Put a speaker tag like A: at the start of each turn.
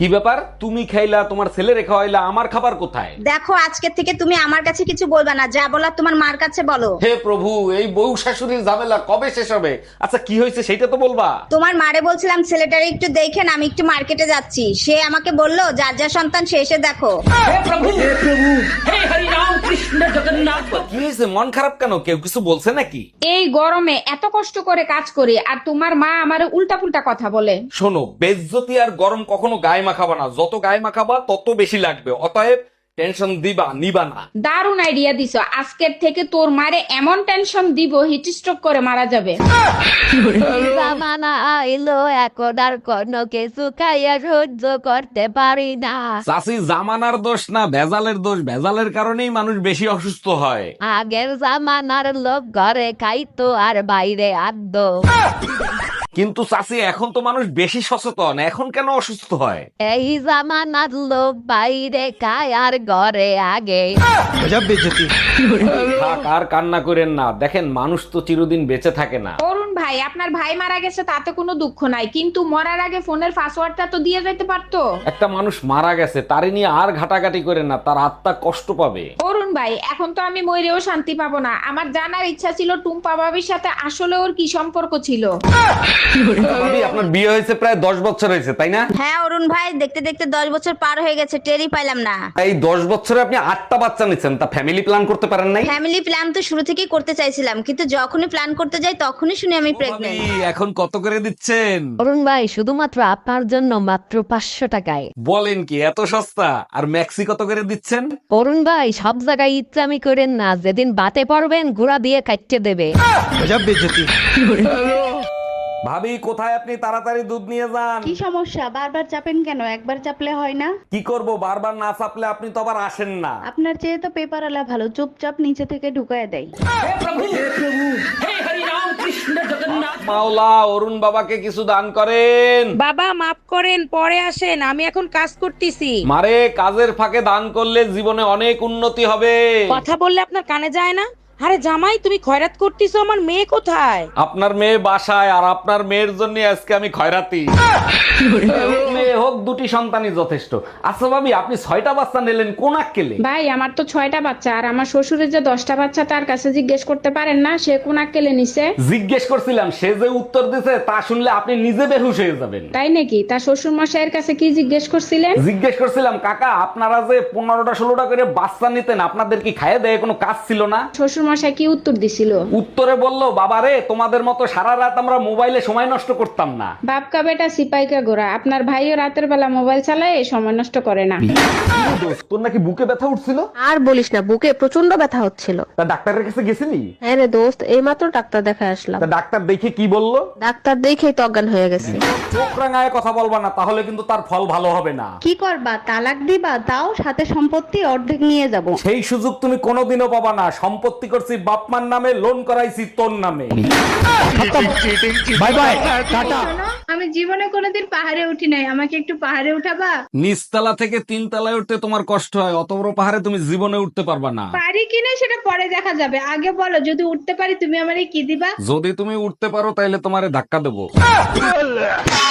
A: কি ব্যাপার? তুমি খাইলা, তোমার ছেলে রেখা হইলা, আমার খাবার কোথায়?
B: দেখো আজকে থেকে তুমি আমার কাছে কিছু বলবা না, যা বলার তোমার মার কাছে বলো।
A: হে প্রভু, এই বউ শাশুড়ির ঝামেলা কবে শেষ হবে? আচ্ছা কি হয়েছে সেটা তো বলবা।
B: তোমার মারে বলছিলাম ছেলেটারে একটু দেখেন, আমি একটু মার্কেটে যাচ্ছি। সে আমাকে বললো যার যা সন্তান সে এসে দেখো।
A: কি হয়েছে, মন খারাপ কেন? কেউ কিছু বলছে নাকি?
C: এই গরমে এত কষ্ট করে কাজ করি আর তোমার মা আমারে উল্টা পুল্টা কথা বলে।
A: শোনো, বেজ্জতি আর গরম কখনো গায়ে মাখাবা না। যত গায়ে মাখাবা তত বেশি লাগবে। অতএব টেনশন দিবা নিবা না।
C: দারুণ আইডিয়া দিছো, আজকের থেকে তোর মারে এমন টেনশন দিব হিট স্ট্রোক করে মারা যাবে।
D: জামানা আইলো এখন আর কোনো কিছু খাইয়া সহ্য করতে পারি না।
A: চাষি জামানার দোষ না, ভেজালের দোষ। ভেজালের কারণেই মানুষ বেশি অসুস্থ হয়।
D: আগের জামানার লোক ঘরে খাইতো আর বাইরে আদ্য।
A: কিন্তু চাষি এখন তো মানুষ বেশি সচেতন, এখন কেন অসুস্থ হয়?
D: এই জামানার লোক বাইরে খায় আর ঘরে আগে।
A: থাক, আর কান্না করেন না। দেখেন মানুষ তো চিরদিন বেঁচে থাকে না।
C: অরুণ ভাই, আপনার ভাই মারা গেছে তাতে কোনো দুঃখ নাই, কিন্তু মরার আগে ফোনের পাসওয়ার্ডটা তো দিয়ে যেতে পারতো।
A: একটা মানুষ মারা গেছে, তারে নিয়ে আর ঘাটাঘাটি করেন না, তার আত্মা কষ্ট পাবে।
C: অরুণ ভাই, এখন তো আমি মরেও শান্তি পাবো না। আমার জানার ইচ্ছা ছিল টুম্পা ভাবির সাথে আসলে ওর কি সম্পর্ক ছিল।
A: ভাবি, আপনার বিয়ে হয়েছে প্রায় 10 বছর হয়েছে, তাই না?
B: হ্যাঁ অরুণ ভাই, দেখতে দেখতে 10 বছর পার হয়ে গেছে, টেরই পাইলাম না।
A: এই 10 বছরে আপনি 8টা বাচ্চা নিচ্ছেন, তা ফ্যামিলি প্ল্যান করতে পারেন নাই?
B: ফ্যামিলি প্ল্যান তো শুরু থেকেই করতে চাইছিলাম, কিন্তু যখনই প্ল্যান করতে যাই তখনই শুনি আমি প্রেগনেন্ট।
A: ভাবি, এখন কত করে দিচ্ছেন?
D: অরুণ ভাই, শুধুমাত্র আপনার জন্য মাত্র 500 টাকায়।
A: বলেন কি, এত সস্তা? আর ম্যাক্সি কত করে দিচ্ছেন?
D: অরুণ ভাই, সব জায়গায় ইচ্ছামি করেন না, যেদিন বাতে পড়বেন ঘোড়া দিয়ে কাটতে দেবে।
A: ভাবি, কোথায় আপনি? তাড়াতাড়ি দুধ নিয়ে যান।
E: কি সমস্যা? বারবার চাপেন কেন? একবার চাপলে হয় না?
A: কি করব, বারবার না চাপলে আপনি তো আবার আসেন না।
E: আপনার চেয়ে তো পেপার আলা ভালো, চুপচাপ নিচে থেকে ঢুকায় দেয়।
A: মাওলা, অরুণ বাবাকে কিছু দান করেন।
F: বাবা মাফ করেন, পরে আসেন, আমি এখন কাজ করতেছি।
A: মারে, কাজের ফাঁকে দান করলে জীবনে অনেক উন্নতি হবে।
F: কথা বললে আপনার কানে যায় না? আরে জামাই, তুমি খয়রাত করতেছো, আমার মেয়ে কোথায়?
A: আপনার মেয়ে বাসায়, আর আপনার মেয়ের জন্য আজকে আমি খয়রাতি। মেয়ে হোক, দুটি সন্তানই যথেষ্ট। আচ্ছা ভাবি, আপনি 6টা বাচ্চা নিলেন কোন আক্কেলে?
C: ভাই, আমার তো 6টা বাচ্চা, আর আমার শ্বশুরের যে 10টা বাচ্চা তার কাছে জিজ্ঞেস করতে পারেন না সে কোন আক্কেলে নিছে।
A: জিজ্ঞেস করছিলাম, সে যে উত্তর দিছে তা শুনলে আপনি নিজে বেহুশ হয়ে যাবেন।
C: তাই নাকি? তার শ্বশুর মশাইয়ের কাছে কি জিজ্ঞেস করছিলেন?
A: জিজ্ঞেস করছিলাম, কাকা আপনারা যে 15টা 16টা করে বাচ্চা নিতেন, আপনাদের কি খাইয়ে দেয় কোনো কাজ ছিল না?
C: শ্বশুর মশাই কি উত্তর দিছিল?
A: উত্তরে বলল, বাবারে তোমাদের মতো সারা রাত আমরা মোবাইলে সময় নষ্ট করতাম না।
C: বাপকা বেটা সিপাইকা গোরা, আপনার ভাইও রাতের বেলা মোবাইল চালায়, সময় নষ্ট করে না।
A: দোস্ত, তোর নাকি বুকে ব্যথা উঠছিল?
G: আর বলিস না, বুকে প্রচন্ড ব্যথা হচ্ছিল।
A: তা ডাক্তারের কাছে গেছিলি?
G: হ্যাঁ রে দোস্ত, এইমাত্র ডাক্তার দেখা আসলাম।
A: তা ডাক্তার দেখে কি বললো?
G: ডাক্তার দেখেই তো অজ্ঞান হয়ে গেছে।
A: চোখ রাঙায় কথা বলবা না, তাহলে কিন্তু তার ফল ভালো হবে না।
E: কি করবা? তালাক দিবা? তাও সাথে সম্পত্তি অর্ধেক নিয়ে যাব।
A: সেই সুযোগ তুমি কোনোদিনও পাবা না। সম্পত্তি করছি বাপমার নামে, লোন করাইছি তোর নামে। Bye bye, tata.
E: আমি জীবনে কোনোদিন পাহাড়ে উঠি নাই, আমাকে একটু পাহাড়ে উঠাবা?
A: নিচতলা থেকে 3 তলায় উঠতে তোমার কষ্ট হয়, অত বড় পাহাড়ে তুমি জীবনে উঠতে পারবা না।
E: পারি কিনা সেটা পরে দেখা যাবে, আগে বলো যদি উঠতে পারি তুমি আমারে কি দিবা?
A: যদি তুমি উঠতে পারো তাহলে তোমারে ধাক্কা দেবো।